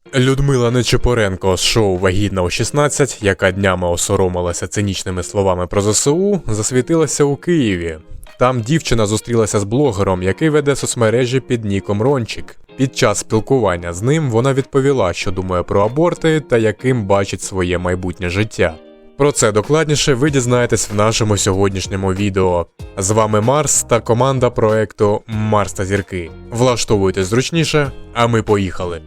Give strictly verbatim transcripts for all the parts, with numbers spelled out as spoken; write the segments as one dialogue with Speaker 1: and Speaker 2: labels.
Speaker 1: Людмила Нечипоренко з шоу «Вагітна у шістнадцять», яка днями осоромилася цинічними словами про ЗСУ, засвітилася у Києві. Там дівчина зустрілася з блогером, який веде соцмережі під ніком Рончик. Під час спілкування з ним вона відповіла, що думає про аборти та яким бачить своє майбутнє життя. Про це докладніше ви дізнаєтесь в нашому сьогоднішньому відео. З вами Марс та команда проекту «Марс та зірки». Влаштовуйтесь зручніше, а ми поїхали.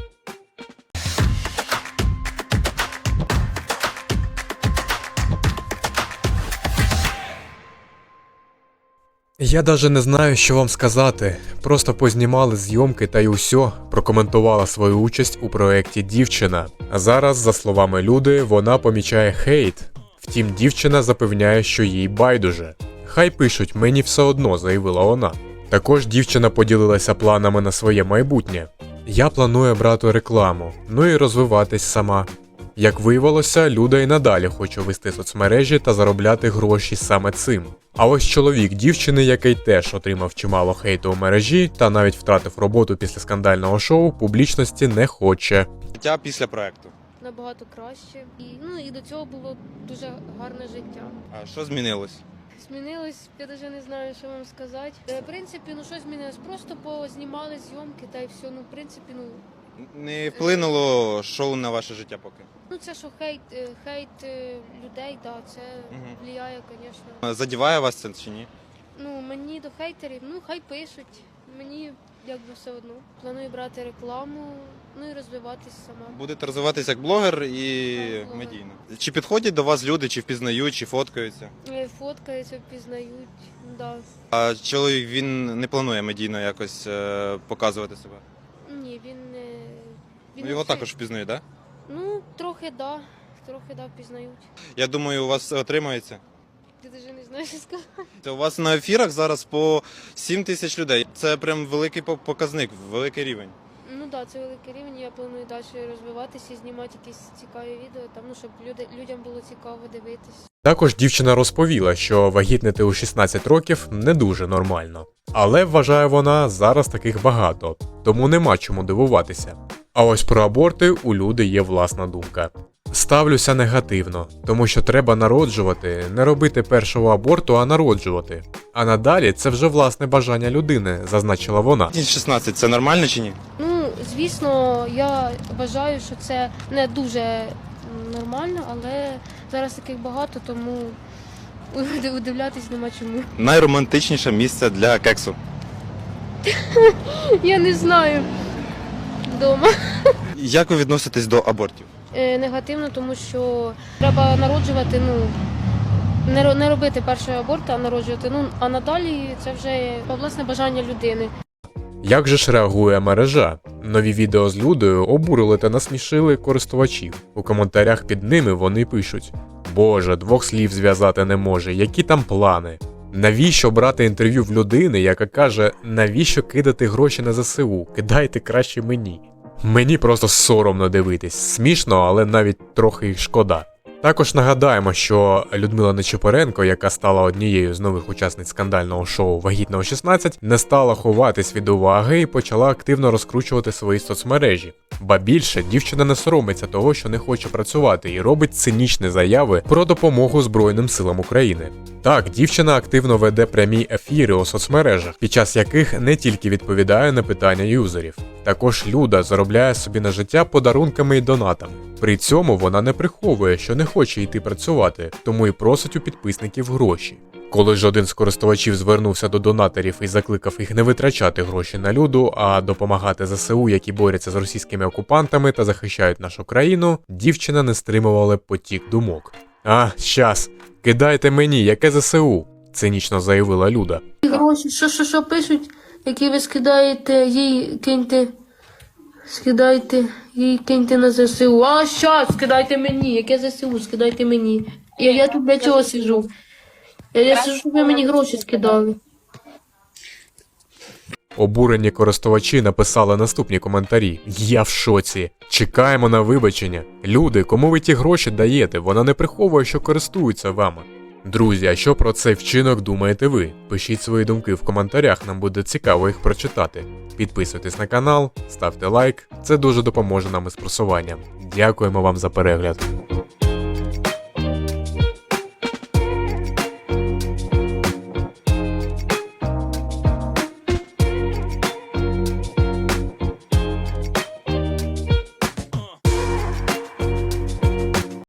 Speaker 1: Я даже не знаю, що вам сказати. Просто познімали зйомки та й усьо, прокоментувала свою участь у проєкті дівчина. А зараз, за словами Люди, вона помічає хейт. Втім, дівчина запевняє, що їй байдуже. Хай пишуть, мені все одно, заявила вона. Також дівчина поділилася планами на своє майбутнє. Я планую брати рекламу, ну і розвиватись сама. Як виявилося, Люда й надалі хоче вести соцмережі та заробляти гроші саме цим. А ось чоловік дівчини, який теж отримав чимало хейту у мережі та навіть втратив роботу після скандального шоу, публічності не хоче.
Speaker 2: Життя після проекту.
Speaker 3: Набагато краще. І, ну, і до цього було дуже гарне життя.
Speaker 2: А що змінилось?
Speaker 3: Змінилось, я навіть не знаю, що вам сказати. Е, В принципі, ну що змінилось? Просто познімали зйомки та й все. Ну, в принципі, ну...
Speaker 2: Не вплинуло шоу на ваше життя поки?
Speaker 3: Ну, це що хейт, е, хейт е, людей, да, це
Speaker 2: Мгм.
Speaker 3: впливає, звісно.
Speaker 2: Задіває вас це чи ні?
Speaker 3: Ну, мені до хейтерів, ну, хай пишуть. Мені, якби, все одно. Планую брати рекламу, ну і розвиватись сама.
Speaker 2: Будете розвиватися як блогер і
Speaker 3: Так, блогер.
Speaker 2: медійно. Чи підходять до вас люди, чи впізнають, чи фоткаються?
Speaker 3: Е, Фоткаються, впізнають, да.
Speaker 2: А чоловік, він не планує медійно якось е, показувати себе?
Speaker 3: Ні, він не... Він
Speaker 2: Ну, його
Speaker 3: взагалі-
Speaker 2: також впізнають, так? Да?
Speaker 3: Ну, трохи да, трохи да, впізнають.
Speaker 2: Я думаю, у вас все отримається.
Speaker 3: Ти навіть не знаєш, що сказати.
Speaker 2: Це у вас на ефірах зараз по сім тисяч людей. Це прям великий по- показник, великий рівень.
Speaker 3: Ну так, да, це великий рівень, я планую далі розвиватися і знімати якісь цікаві відео, там, ну, щоб люди, людям було цікаво дивитись.
Speaker 1: Також дівчина розповіла, що вагітнити у шістнадцять років не дуже нормально. Але, вважає вона, зараз таких багато, тому нема чому дивуватися. А ось про аборти у Люди є власна думка. Ставлюся негативно, тому що треба народжувати, не робити першого аборту, а народжувати. А надалі це вже власне бажання людини, зазначила вона.
Speaker 2: шістнадцять це нормально чи ні?
Speaker 3: Ну, звісно, я вважаю, що це не дуже м, нормально, але зараз таких багато, тому удивлятись нема чому.
Speaker 2: Найромантичніше місце для кексу.
Speaker 3: Я не знаю. Вдома.
Speaker 2: Як ви відноситесь до абортів?
Speaker 3: Е, негативно, тому що треба народжувати, ну, не, ро- не робити перший аборт, а народжувати. Ну, а надалі це вже власне бажання людини.
Speaker 1: Як же ж реагує мережа? Нові відео з Людою обурили та насмішили користувачів. У коментарях під ними вони пишуть: «Боже, двох слів зв'язати не може, які там плани? Навіщо брати інтерв'ю в людини, яка каже, навіщо кидати гроші на ЗСУ, кидайте краще мені? Мені просто соромно дивитись, смішно, але навіть трохи їх шкода». Також нагадаємо, що Людмила Нечипоренко, яка стала однією з нових учасниць скандального шоу «Вагітна у шістнадцять», не стала ховатись від уваги і почала активно розкручувати свої соцмережі. Ба більше, дівчина не соромиться того, що не хоче працювати і робить цинічні заяви про допомогу Збройним силам України. Так, дівчина активно веде прямі ефіри у соцмережах, під час яких не тільки відповідає на питання юзерів. Також Люда заробляє собі на життя подарунками і донатами. При цьому вона не приховує, що не хоче йти працювати, тому і просить у підписників гроші. Коли ж один з користувачів звернувся до донаторів і закликав їх не витрачати гроші на Люду, а допомагати ЗСУ, які борються з російськими окупантами та захищають нашу країну, дівчина не стримувала потік думок. «А, щас, кидайте мені, яке ЗСУ?» – цинічно заявила Люда.
Speaker 4: Гроші, що, що, що пишуть, які ви скидаєте, їй киньте, скидайте, їй киньте на ЗСУ. А, щас, скидайте мені, яке ЗСУ, скидайте мені. Я, я тут для чого сиджу? Я, я сиджу, щоб ви мені гроші скидали.
Speaker 1: Обурені користувачі написали наступні коментарі. «Я в шоці. Чекаємо на вибачення. Люди, кому ви ті гроші даєте? Вона не приховує, що користується вами». Друзі, а що про цей вчинок думаєте ви? Пишіть свої думки в коментарях, нам буде цікаво їх прочитати. Підписуйтесь на канал, ставте лайк, це дуже допоможе нам із просуванням. Дякуємо вам за перегляд.